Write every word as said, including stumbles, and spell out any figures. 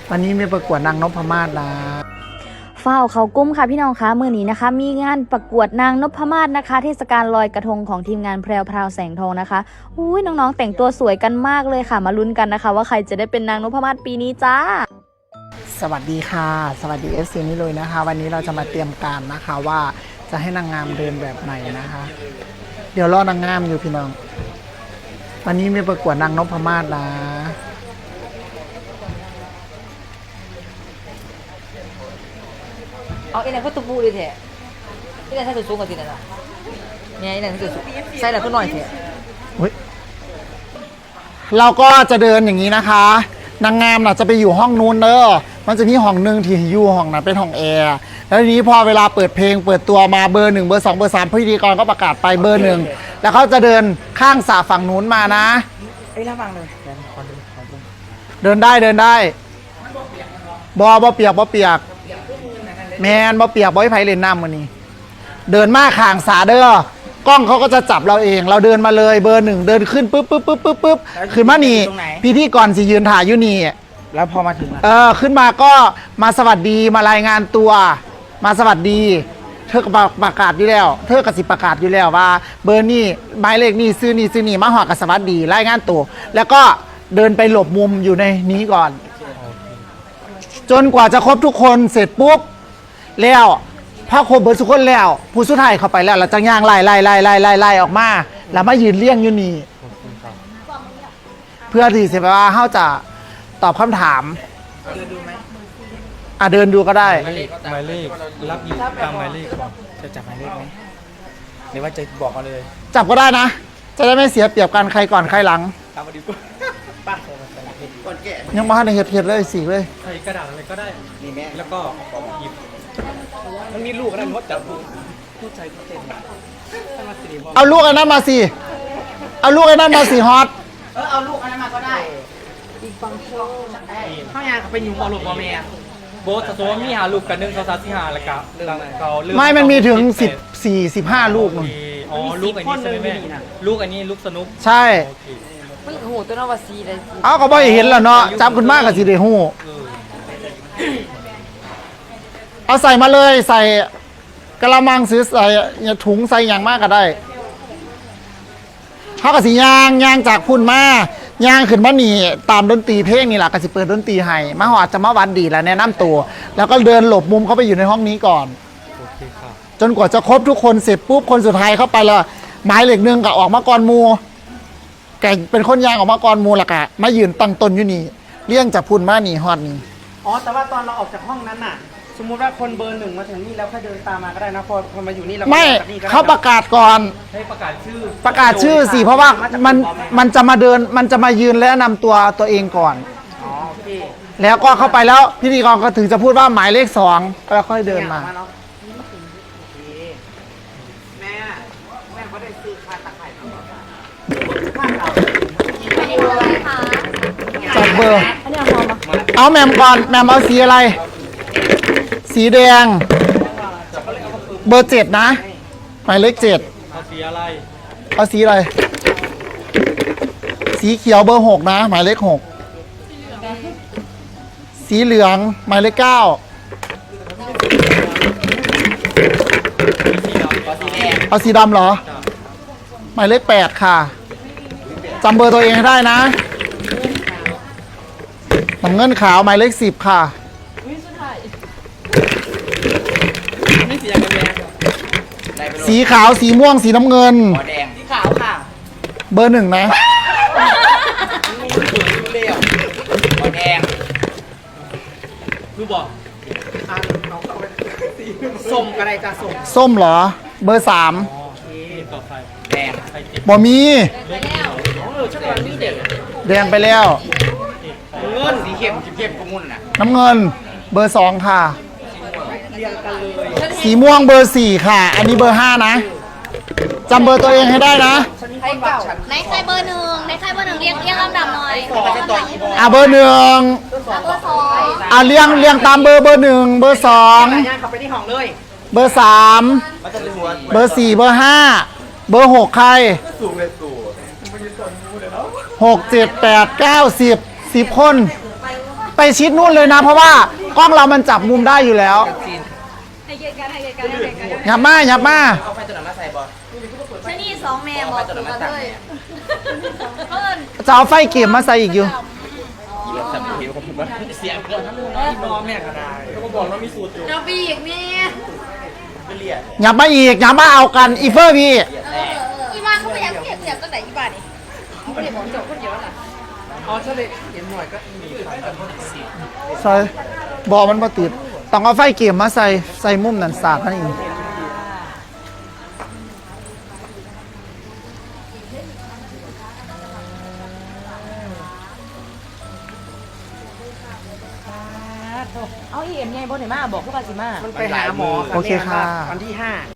วันนี้มีประกวดนางนพมาศนะเฝ้าเขากุ้มค่ะพี่น้องคะมื้อนี้นะคะมีงานประกวดนางนพมาศนะคะเทศกาลลอยกระทงของทีมงานแพรวพราวแสงทองนะคะอุ้ยน้องๆแต่งตัวสวยกันมากเลยค่ะมาลุ้นกันนะคะว่าใครจะได้เป็นนางนพมาศปีนี้จ้าสวัสดีค่ะสวัสดีเอฟซีนี่เลยนะคะวันนี้เราจะมาเตรียมการนะคะว่าจะให้นางงามเดินแบบไหนนะคะเดี๋ยวรอนางงามอยู่พี่น้องวันนี้มีประกวดนางนพมาศนะเอาไอ้นั่นก็ตุ้บูเลยแท้ไอ้นั่นถ้าสูงกว่าทีนั่นน่ะเนี่ยไอ้นั่นถ้าสูงใส่แล้วก็หน่อยแท้เราก็จะเดินอย่างนี้นะคะนางงามน่ะจะไปอยู่ห้องนู้นเด้อมันจะมีห้องหนึ่งที่อยู่ห้องนั้นเป็นห้องแอร์แล้วทีนี้พอเวลาเปิดเพลงเปิดตัวมาเบอร์หนึ่งเบอร์สองเบอร์สามพิธีกรก็ประกาศไปเบอร์หนึ่งแล้วเขาจะเดินข้างสาฝั่งนู้นมานะไอ้ระวังเลยเดินได้เดินได้บอบอเปียกบอเปียกแมนบอเปียกบอให้ไผ่เล่นน้ำวันนี้เดินมาข้างสาเด้อกล้องเขาก็จะจับเราเองเราเดินมาเลยเบอร์หนึ่งเดินขึ้นปุ๊บปุ๊บปุ๊บปุ๊บปุ๊บขึ้นมานี่พิธีกรสิยืนถ่ายอยู่นี่แล้วพอมาถึงเออขึ้นมาก็มาสวัสดีมารายงานตัวมาสวัสดีเธอก็ประกาศอยู่แล้วเธอก็สิประกาศอยู่แล้วว่าเบอร์นี่หมายเลขนี่ซื้อนี่ซื้อนี่มาหอกับสวัสดีรายงานตัวแล้วก็เดินไปหลบมุมอยู่ในนี้ก่อนจนกว่าจะครบทุกคนเสร็จปุ๊บแล้วพอครบเบอร์ทุกคนแล้วผู้สุดท้ายเข้าไปแล้วเราจะย่างไล่ไล่ไล่ไล่ไล่ไล่ออกมาแล้วมายืนเลี้ยงอยู่นี่เพื่อที่จะว่าเขาจะตอบคำถามเดินดูไหมอ่ะเดินดูก็ได้หมายเลขรับอยู่ตามหมายเลขก่อนจะจับหมายเลขไหมหรือว่าจะบอกเอาเลยจับก็ได้นะจะได้ไม่เสียเปรียบกันใครก่อนใครหลังตามมาดีกว่าป้าก่อนแกะยังมาให้เห็ดเห็ดเลยสีเลยใส่กระดาษอะไรก็ได้นี่แม่แล้วก็หยิบมันมีลูกอะไรมดจับพูดใจพูดเต็มเอาลูกอันนั้นมาสิเอาลูกอันนั้นมาสิฮอตเออเอาลูกอันนั้นมาก็ได้อีกฟังโชว์ข้าวยางไปยุ่งบอลลูกบอลเมียโบสสมมติมีหาลูกกันหนึ่งสองสามสี่ห้าแล้วก็เรื่องเขาเรื่องไม่มันมีถึงสิบสี่สิบห้าลูกอ๋อลูกอันนี้ใช่ไหมแม่ลูกอันนี้ลูกสนุกใช่มันโหตัวน้องวาซีเลยเอาก็บ่เห็นแล้วเนาะจับคุณมากกับสิเดหูเอาใส่มาเลยใส่กระมังซื้อใส่ถุงใส่อย่างมากก็ได้เขากับสียางยางจากพุ่นมายางขึ้นมาหนีตามดนตรีเพลงนี่แหละก็สิเปิดดนตรีให้มาหอดจะมาวันดีแล้วแนะนำตัวแล้วก็เดินหลบมุมเข้าไปอยู่ในห้องนี้ก่อนจนกว่าจะครบทุกคนเสร็จปุ๊บคนสุดท้ายเข้าไปแล้วไม้เหล็กนึงก็ออกมาก่อนมูแกเป็นคนยางออกมาก่อนมูละกะมายืนตั้งตนอยู่นี่เลี้ยงจากพุ่นมาหนีฮอดนี่อ๋อแต่ว่าตอนเราออกจากห้องนั้นน่ะสมมุติว่าคนเบอร์หนึ่งมาถึงนี่แล้วค่อยเดินตามมาก็ได้นะพอคนมาอยู่นี่เราไม่เขาประกาศก่อนให้ประกาศชื่อประกาศชื่อสิเพราะว่ามันมันจะมาเดินมันจะมายืนและนำตัวตัวเองก่อนอ๋อโอเคแล้วก็เข้าไปแล้วพิธีกรก็ถึงจะพูดว่าหมายเลขสองแล้วค่อยเดินมาแม่แม่เขาได้ซื้อคาตะไคร้จัดเบอร์เอาแมมก่อนแมมเอาสีอะไรสีแดงเบอร์เจ็ดนะหมายเลขเจ็ดเอาสีอะไรเอาสีอะไรสีเขียวเบอร์หกนะหมายเลขหกสีเหลืองหมายเลขเก้าเอาสีดำเหรอหมายเลขแปดค่ะจำเบอร์ตัวเองให้ได้นะน้ำเงินขาวหมายเลขสิบค่ะสีขาวสีม่วงสีน้ำเงินแดงสีขาวค่ะเบอร์หนึ่งนะแดงคือบอกส้มอะไรจะส้มส้มเหรอเบอร์สามแดงบ่มีแดงไปแล้วเงินสีเข้มสีเข้มกมุนน่ะน้ำเงินเบอร์สองค่ะสีม่วงเบอร์สี่ค่ะอันนี้เบอร์ห้านะจำเบอร์ตัวเองให้ได้นะในใครเบอร์หนึ่งในใครเบอร์หนึ่งเรียงเรียงลำดับหน่อยอ่ะเบอร์หนึ่งเบอร์สองอ่ะเรียงเรียงตามเบอร์เบอร์หนึ่งเบอร์สองไปที่ห้องเลยเบอร์สามเบอร์สี่เบอร์ห้าเบอร์หกใครหกเจ็ดแปดเก้าสิบสิบคนไปชิดนู่นเลยนะ เพราะว่ากล้องเรามันจับมุมได้อยู่แล้วให้เกียรติกันให้เกียรติกันให้เกียรติกันหยับมาหยับมาเอาไฟตัวนั้นมาใส่บอลชนี่สองแม่บอกถูกกันเลยเพิ่นจะเอาไฟเก็บมาใส่อีกอยู่สับผิวของผมว่าเสียงเกินทั้งน้องแม่ก็ได้แล้วก็บอกว่ามีสูตรอยู่เราปีกนี่ไปเรียนหยับมาอีกหยับมาเอากันอีเฟอร์พี่อีบ้านเขาไม่อยากเก็บเสียงตั้งแต่อีบ้านนี่ไม่ได้บอกจบคนเดียวน่ะอ๋อถ้าเด็กเห็นหน่อยก็มีไฟกันสิใส่บอมันมาติดต้องเอาไฟเก็บมาใส่ใส่มุมนั่นสากนั่นเองเอาอีเอ็มไงบนไหนมาบอกพวกปาสิมามันไปหาหมอโอเคค่ะวันที่ห้า